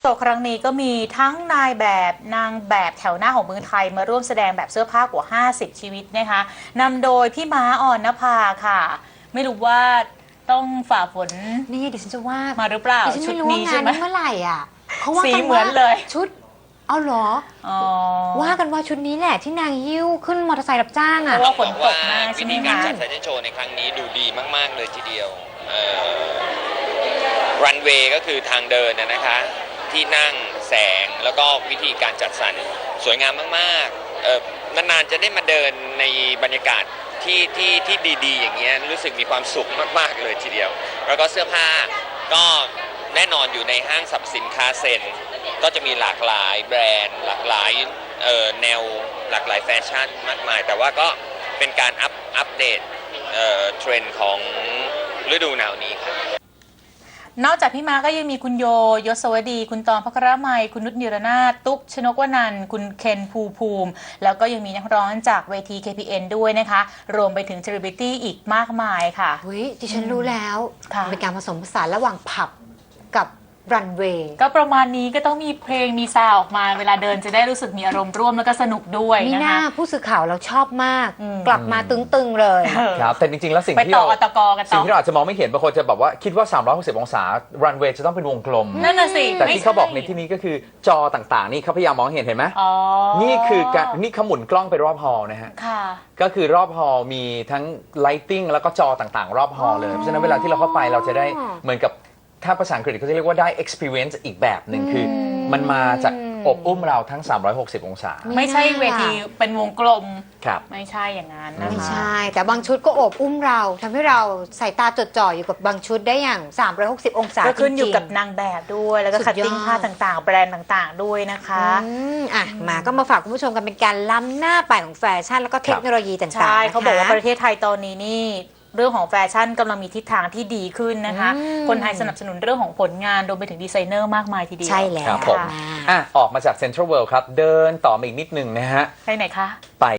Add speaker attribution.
Speaker 1: โชว์ครั้งนี้ก็มีทั้งนายแบบนางแบบแถวหน้าของเมืองไทยมาร่วมแสดงแบบเสื้อผ้ากว่า50ชีวิตนะคะนำโดยพี่ม้าอ่อนนภาค่ะไม่รู้ว่าต้องฝ่าฝน
Speaker 2: นี่ดิฉันจะว่า
Speaker 1: มาหรือเปล่า
Speaker 2: ดิฉันไม่รู้ว่างานนี้เมื่อไหร่อ่ะเขาว่ากันว่าชุดเอาเหรอว่ากันว่าชุดนี้แหละที่นางหิ้วขึ้นมอเตอร์ไซค์รับจ้างอ่ะ
Speaker 1: เพราะว่าฝนตกมาก
Speaker 3: วิธีการจัดแฟชั่นโชว์ในครั้งนี้ดูดีมากๆเลยทีเดียวรันเวย์ก็คือทางเดินนะคะที่นั่งแสงแล้วก็วิธีการจัดสรรสวยงามมากๆนานๆจะได้มาเดินในบรรยากาศที่ดีๆอย่างเงี้ยรู้สึกมีความสุขมากๆเลยทีเดียวแล้วก็เสื้อผ้าก็แน่นอนอยู่ในห้างสรรพสินค้าเซ็นก็จะมีหลากหลายแบรนด์หลากหลายแนวหลากหลายแฟชั่นมากมายแต่ว่าก็เป็นการอัปเดตเทรนด์ของฤดูหนาวนี้ครับ
Speaker 1: นอกจากพี่ม้าก็ยังมีคุณโยยศวดีคุณตอง ภครมัยคุณนุชนิรนาถตุ๊กชนกวนันท์คุณเคนภูมิแล้วก็ยังมีนักร้องจากเวที KPN ด้วยนะคะรวมไปถึงเซเลบริตี้อีกมากมายค่ะ
Speaker 2: ดิฉันรู้แล้วเป็นการผสมผสานระหว่างผับกับรันเวย์
Speaker 1: ก็ประมาณนี้ก็ต้องมีเพลงมีซาวออกมาเวลาเดินจะได้รู้สึกมีอารมณ์ร่วมแล้วก็สนุกด้วยนะคะ
Speaker 2: นี่น่าผู้สื่อข่าวเราชอบมากกลับมาตึงๆเลย
Speaker 4: ครับแต่จริงๆแล้วสิ่งที่เราอาจจะมองไม่เห็นบางคนจะแบบว่าคิดว่า360องศารันเวย์จะต้องเป็นวงกลม
Speaker 1: นั่นน่ะสิ
Speaker 4: แต่ที่เขาบอกในที่นี้ก็คือจอต่างๆนี่เขาพยายามมองเห็นไหมนี่คือนี่เขาหมุนกล้องไปรอบฮอลล์นะฮะก็คือรอบฮอลล์มีทั้งไลติ้งแล้วก็จอต่างๆรอบฮอลล์เลยเพราะฉะนั้นเวลาที่เราเข้าไปเราจะได้เหมือนกับถ้าภาษาอังกฤษเขาจะเรียกว่าได้ experience อีกแบบหนึ่งคือมันมาจากอบอุ้มเราทั้ง360องศา
Speaker 1: ไม่ใช่เวทีเป็นวงกลม
Speaker 4: ครับ
Speaker 1: ไม่ใช่อย่างนั้นนะคะ
Speaker 2: ไม่ใช่แต่บางชุดก็อบอุ้มเราทำให้เราสายตาจดจ่ออยู่กับบางชุดได้อย่าง360องศา
Speaker 1: ก็ขึ้นอยู่กับนางแบบด้วยแล้วก็คัตติ้งผ้าต่างๆแบรนด์ต่างๆด้วยนะคะ
Speaker 2: มาก็มาฝากคุณผู้ชมกันเป็นการล้ำหน้าไปของแฟชั่นแล้วก็เทคโนโลยีต่างๆใช่
Speaker 1: เขาบอกว่าประเทศไทยตอนนี้นี่เรื่องของแฟชั่นกำลังมีทิศทางที่ดีขึ้นนะคะคนไทยสนับสนุนเรื่องของผลงานรวมไปถึงดีไซเนอร์มากมายทีเดียว
Speaker 2: ใช่แล้ว
Speaker 4: ครับผมออกมาจากเซ็นทรัลเวิลด์ครับเดินต่อมาอีกนิดนึงนะฮะ
Speaker 1: ไปไหนคะ
Speaker 4: ไป